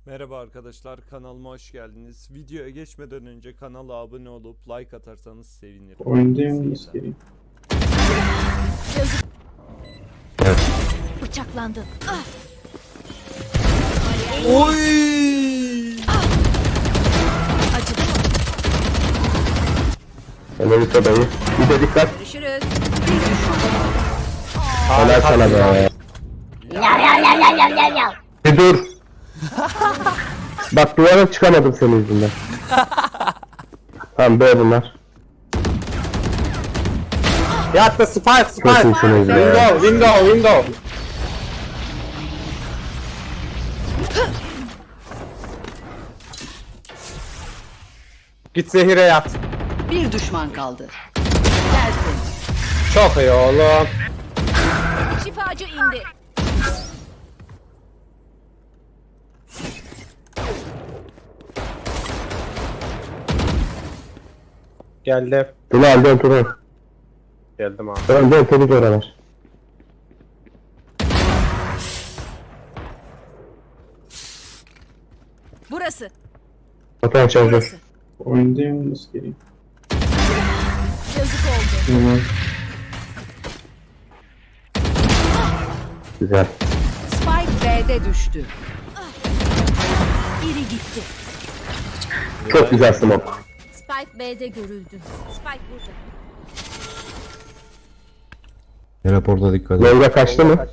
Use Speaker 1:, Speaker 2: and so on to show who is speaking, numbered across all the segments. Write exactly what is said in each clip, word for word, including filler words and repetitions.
Speaker 1: Merhaba arkadaşlar, kanalıma hoş geldiniz. Videoya geçmeden önce kanala abone olup like atarsanız sevinirim.
Speaker 2: Oyundayım askeri.
Speaker 3: Bıçaklandın. Ah!
Speaker 1: Oy!
Speaker 3: Ah! Acıdı mı?
Speaker 4: Amerika dayı. Bir de dikkat.
Speaker 3: Görüşürüz.
Speaker 4: Helal sana be. Bir dur. Bak duvara çıkamadım senin yüzünden. Tamam böyle bunlar.
Speaker 5: Yattı spike
Speaker 4: Çok
Speaker 5: spike.
Speaker 4: iyisiniz be.
Speaker 5: Window window window. Git zehire yat.
Speaker 6: Bir düşman kaldı. Gelsin.
Speaker 5: Çok iyi oğlum.
Speaker 3: Şifacı indi.
Speaker 5: Geldim.
Speaker 4: Tuna dön Tuna.
Speaker 5: Geldim abi.
Speaker 4: Dön dön temiz oralar.
Speaker 3: Burası.
Speaker 4: Vatan çalışıyor.
Speaker 3: Burası.
Speaker 2: Oyundayım askeri.
Speaker 3: Yazık oldu.
Speaker 2: Tamam.
Speaker 4: Güzel.
Speaker 6: Spike B'de düştü.
Speaker 3: Biri gitti.
Speaker 4: Çok güzel smoke.
Speaker 3: Spike B'de görüldü. Spike burada.
Speaker 7: Raporda dikkat et.
Speaker 4: Longa kaçtı mı?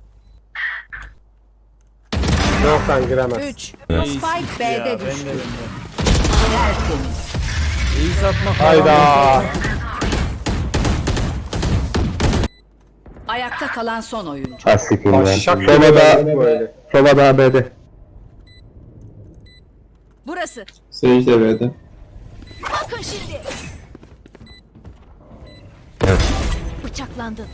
Speaker 5: Yoktan giremez.
Speaker 6: üç.
Speaker 1: İyi
Speaker 6: Spike
Speaker 1: sikti ya,
Speaker 6: B'de
Speaker 1: ben de
Speaker 6: düştü.
Speaker 1: ben de.
Speaker 6: Tertemiz.
Speaker 1: İyi satmak
Speaker 5: Hayda.
Speaker 6: Ayakta kalan son oyuncu.
Speaker 4: Az sikiyim ya.
Speaker 5: Aşak
Speaker 4: Sova
Speaker 5: gibi
Speaker 4: da,
Speaker 5: böyle.
Speaker 4: Sova da A B'de.
Speaker 3: Burası.
Speaker 2: Sage de B'de.
Speaker 3: Bakın şimdi.
Speaker 7: Evet.
Speaker 3: Bıçaklandın.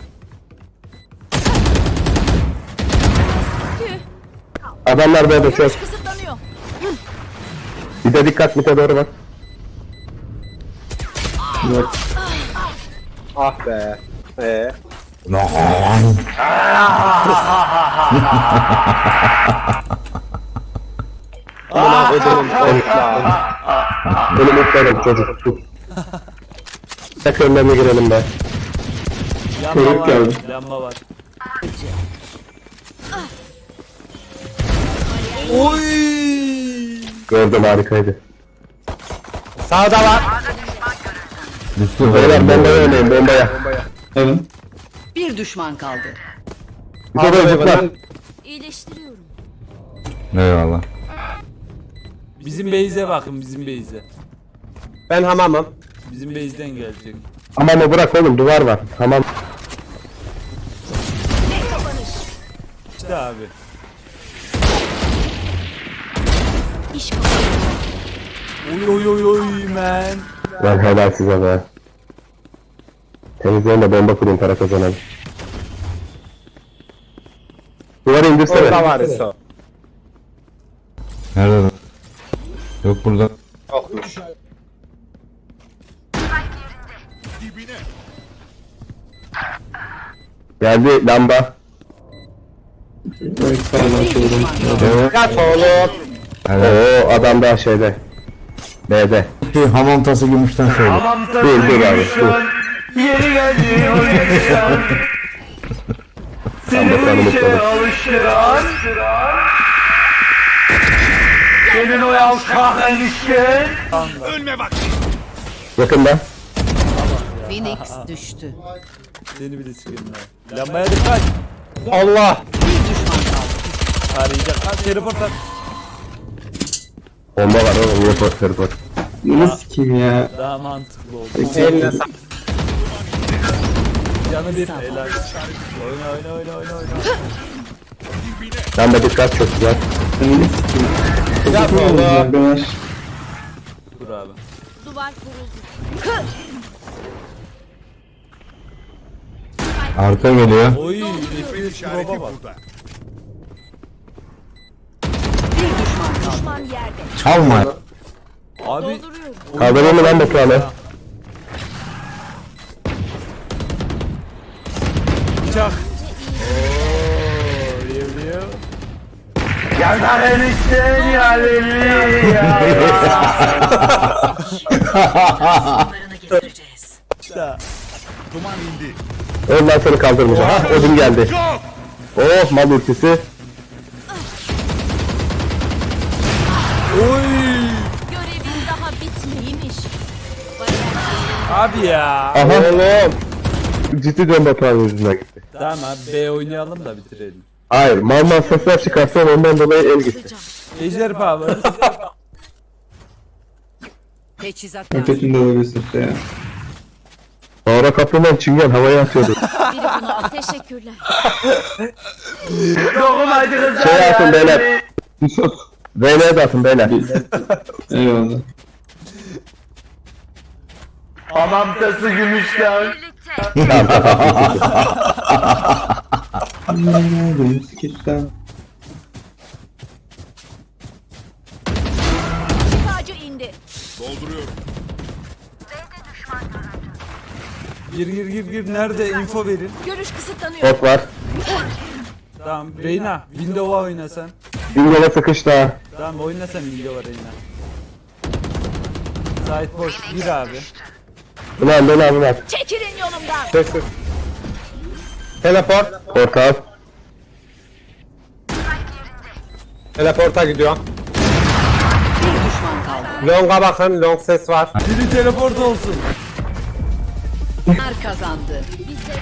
Speaker 4: Adamlar B'de çok.
Speaker 3: Görüş kısıtlanıyor.
Speaker 4: Bir de dikkat mite doğru bak.
Speaker 2: Yok.
Speaker 5: Ah be. Ee. Amına kodumun korkla.
Speaker 4: Beni mutlarım çocuk. Tek önlerine girelim be.
Speaker 1: Lamba
Speaker 2: Çocuk
Speaker 1: var,
Speaker 2: geldi.
Speaker 1: lamba var. Oy!
Speaker 4: Gördüm harikaydı.
Speaker 5: Sağda var.
Speaker 7: Düştü
Speaker 4: Beyler bombaya oynayın bombaya.
Speaker 2: Alın.
Speaker 6: Bir düşman kaldı.
Speaker 4: Bir de çocuklar.
Speaker 3: İyileştiriyorum.
Speaker 7: Eyvallah.
Speaker 1: Bizim base'e bakın, bizim base'e.
Speaker 5: Ben hamamım.
Speaker 1: Bizim base'den gelecek.
Speaker 4: Aman o bırak oğlum duvar var. Tamam.
Speaker 1: İşte abi.
Speaker 3: İş bakalım.
Speaker 1: Oy oy oy oy man.
Speaker 4: Lan helal size be. Temizleyin de bomba kurun para kazanalım. Duvarı indirsene.
Speaker 5: Orada var iso.
Speaker 7: Nerede lan? Yok burada.
Speaker 5: Yokmuş.
Speaker 4: Geldi lamba.
Speaker 2: Evet sağdan
Speaker 6: Bir
Speaker 2: soldan.
Speaker 6: düşman kaldı.
Speaker 7: Evet.
Speaker 5: Yat oğlum.
Speaker 7: Evet.
Speaker 4: Oo adam daha şeyde. B'de.
Speaker 7: Bir hamam tası gümüşten söyle.
Speaker 4: Dur dur abi dur.
Speaker 8: Yeri geldi o yaşam.
Speaker 4: Tam bakalım
Speaker 8: Seni işe
Speaker 4: bakalım.
Speaker 8: alıştıran. Senin o yavşak enişten.
Speaker 4: Yakında.
Speaker 6: Phoenix düştü.
Speaker 1: Seni bile sıkıyorum ya. Lambaya dikkat.
Speaker 5: Allah.
Speaker 6: Bir düşman kaldı.
Speaker 1: Arayacak. Ha, teleport at.
Speaker 4: Bomba var oğlum report report.
Speaker 2: Bunu sikeyim ya.
Speaker 1: Daha mantıklı oldu.
Speaker 5: Eline sağ.
Speaker 1: Canı bir. Helal. Oyna oyna oyna oyna oyna.
Speaker 4: Lamba dikkat çok güzel.
Speaker 2: Bunu sikeyim.
Speaker 5: Yat
Speaker 2: Çok iyi oldu
Speaker 5: oğlum.
Speaker 2: arkadaş.
Speaker 1: Dur abi.
Speaker 3: Duvar kuruldu.
Speaker 7: Arka geliyor.
Speaker 1: Oy. Nefis roba bak.
Speaker 6: Bir düşman kaldı.
Speaker 3: Düşman yerde.
Speaker 7: Çalma.
Speaker 1: Abi.
Speaker 3: Dolduruyorum.
Speaker 4: Kaldırıyor mu lan Batuhan'ı?
Speaker 1: Bıçak. Ooo. Rev rev.
Speaker 8: Yanar enişten yerleri ya.
Speaker 6: Sonlarını getireceğiz.
Speaker 1: İşte.
Speaker 4: Ondan seni kaldırmayacağım. Ha Odin geldi. Oh mal ultisi.
Speaker 1: Oy.
Speaker 3: Görevin daha bitmeymiş.
Speaker 1: Abi ya.
Speaker 4: Aha. Oğlum. Ciddi dön Batuhan yüzünden gitti.
Speaker 1: Tamam abi B oynayalım da bitirelim.
Speaker 4: Hayır mal mal sesler çıkarsan ondan dolayı el gitti.
Speaker 1: Ejder Power.
Speaker 6: Teçhizat lazım.
Speaker 2: Ötekinde olabilirsin işte ya.
Speaker 4: Sonra kapıdan çingen havaya atıyordu.
Speaker 3: Biri bunu al. Teşekkürler.
Speaker 8: Dokunmacı kızlar
Speaker 4: Şey yapın beyler.
Speaker 8: yerleri.
Speaker 2: Yusuf.
Speaker 4: V N'ye de atın beyler.
Speaker 2: Eyvallah.
Speaker 8: Hamam tası gümüşten.
Speaker 2: Benim skeçten.
Speaker 3: Şifacı indi.
Speaker 1: Gir gir gir gir. Nerede? Info verin.
Speaker 3: Görüş kısıtlanıyor.
Speaker 4: Bot var.
Speaker 1: Tamam. Reyna. Windows'a oyna sen.
Speaker 4: Bingol'a sıkıştı ha.
Speaker 1: Tamam oyna sen Windows'a Reyna. Sait boş. Gir abi.
Speaker 4: Ulan ben abi var.
Speaker 3: Çekilin yolumdan.
Speaker 5: Sessiz. Teleport.
Speaker 4: Portal.
Speaker 5: Teleporta gidiyor.
Speaker 6: Bir düşman kaldı.
Speaker 5: Long'a bakın. Long ses var.
Speaker 1: Biri teleport olsun.
Speaker 6: Bunlar kazandı.
Speaker 3: Bize